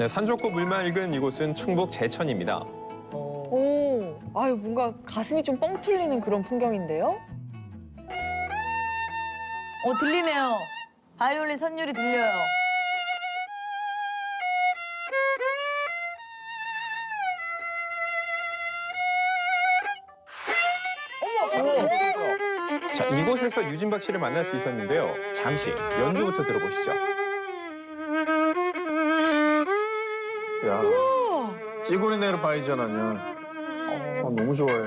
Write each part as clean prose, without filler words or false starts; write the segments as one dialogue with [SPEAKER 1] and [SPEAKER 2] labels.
[SPEAKER 1] 네, 산 좋고 물 맑은 이곳은 충북 제천입니다.
[SPEAKER 2] 오, 아유 뭔가 가슴이 좀 뻥 뚫리는 그런 풍경인데요?
[SPEAKER 3] 들리네요. 바이올린 선율이 들려요.
[SPEAKER 1] 자, 이곳에서 유진박 씨를 만날 수 있었는데요. 잠시 연주부터 들어보시죠.
[SPEAKER 4] 야, 찌구리 내로 바이전 아니야. 너무 좋아해.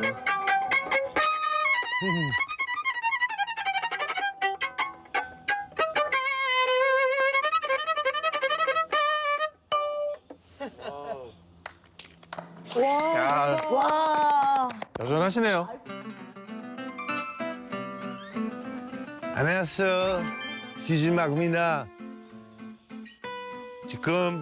[SPEAKER 4] 야,
[SPEAKER 3] 와.
[SPEAKER 4] 여전하시네요.
[SPEAKER 5] 안녕하세요. 유진박입니다. 지금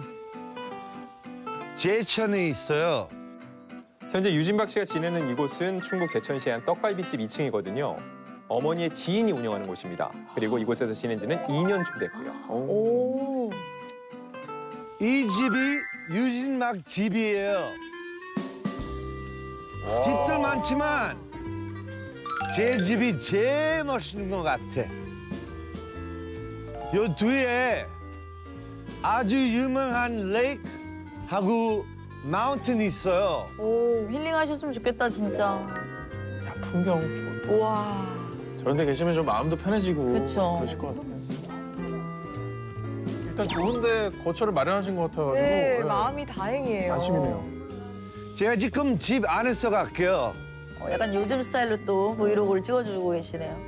[SPEAKER 5] 제천에 있어요.
[SPEAKER 1] 현재 유진박 씨가 지내는 이곳은 충북 제천시의 한 떡갈비집 2층이거든요. 어머니의 지인이 운영하는 곳입니다. 그리고 이곳에서 지낸 지는 2년쯤 됐고요.
[SPEAKER 2] 오,
[SPEAKER 5] 이 집이 유진박 집이에요. 집들 많지만 제 집이 제일 멋있는 것 같아. 요 뒤에 아주 유명한 레이크하고 마운틴이 있어요.
[SPEAKER 3] 오, 힐링하셨으면 좋겠다, 진짜.
[SPEAKER 4] 야, 풍경 좋다.
[SPEAKER 2] 우와.
[SPEAKER 4] 저런 데 계시면 좀 마음도 편해지고
[SPEAKER 3] 그쵸.
[SPEAKER 4] 그러실 것 같아요. 일단 좋은데 거처를 마련하신 것 같아가지고
[SPEAKER 2] 네,
[SPEAKER 4] 예,
[SPEAKER 2] 마음이 다행이에요.
[SPEAKER 4] 안심이네요.
[SPEAKER 5] 제가 지금 집 안에서 갈게요.
[SPEAKER 3] 약간 요즘 스타일로 또 브이로그를 찍어주고 계시네요.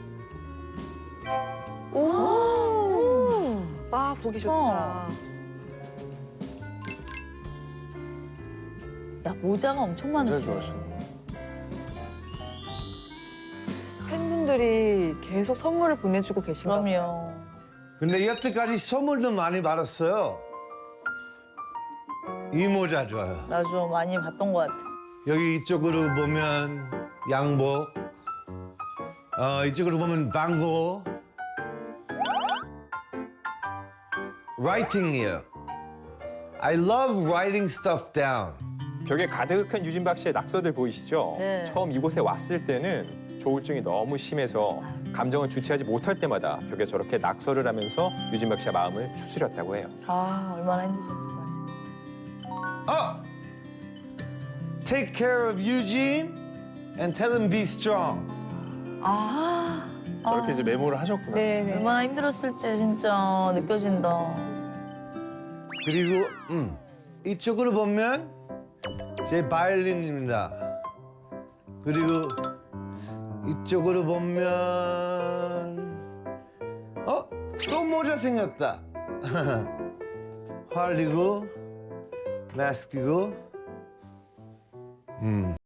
[SPEAKER 2] 오, 와 보기 좋다.
[SPEAKER 3] 야, 모자가 엄청
[SPEAKER 4] 진짜
[SPEAKER 3] 많으시네.
[SPEAKER 4] 좋아하시네.
[SPEAKER 2] 팬분들이 계속 선물을 보내주고 계신가 봐요.
[SPEAKER 3] 그럼요.
[SPEAKER 5] 근데 여태까지 선물도 많이 받았어요. 이 모자 좋아요.
[SPEAKER 3] 나 좀 많이 봤던 것 같아.
[SPEAKER 5] 여기 이쪽으로 보면 양복, 이쪽으로 보면 방고, writing이에요. I love writing stuff down.
[SPEAKER 1] 벽에 가득한 유진박 씨의 낙서들 보이시죠?
[SPEAKER 3] 네.
[SPEAKER 1] 처음 이곳에 왔을 때는 조울증이 너무 심해서 감정을 주체하지 못할 때마다 벽에 저렇게 낙서를 하면서 유진박 씨의 마음을 추스렸다고 해요.
[SPEAKER 3] 아, 얼마나 힘드셨을까.
[SPEAKER 5] Take care of Eugene and tell him be strong.
[SPEAKER 3] 아,
[SPEAKER 4] 저렇게 이제 메모를 하셨구나.
[SPEAKER 2] 네네.
[SPEAKER 3] 얼마나 힘들었을지 진짜 느껴진다.
[SPEAKER 5] 그리고 이쪽으로 보면 제 바이올린입니다. 그리고 이쪽으로 보면 또 모자 생겼다. 활이고 마스크고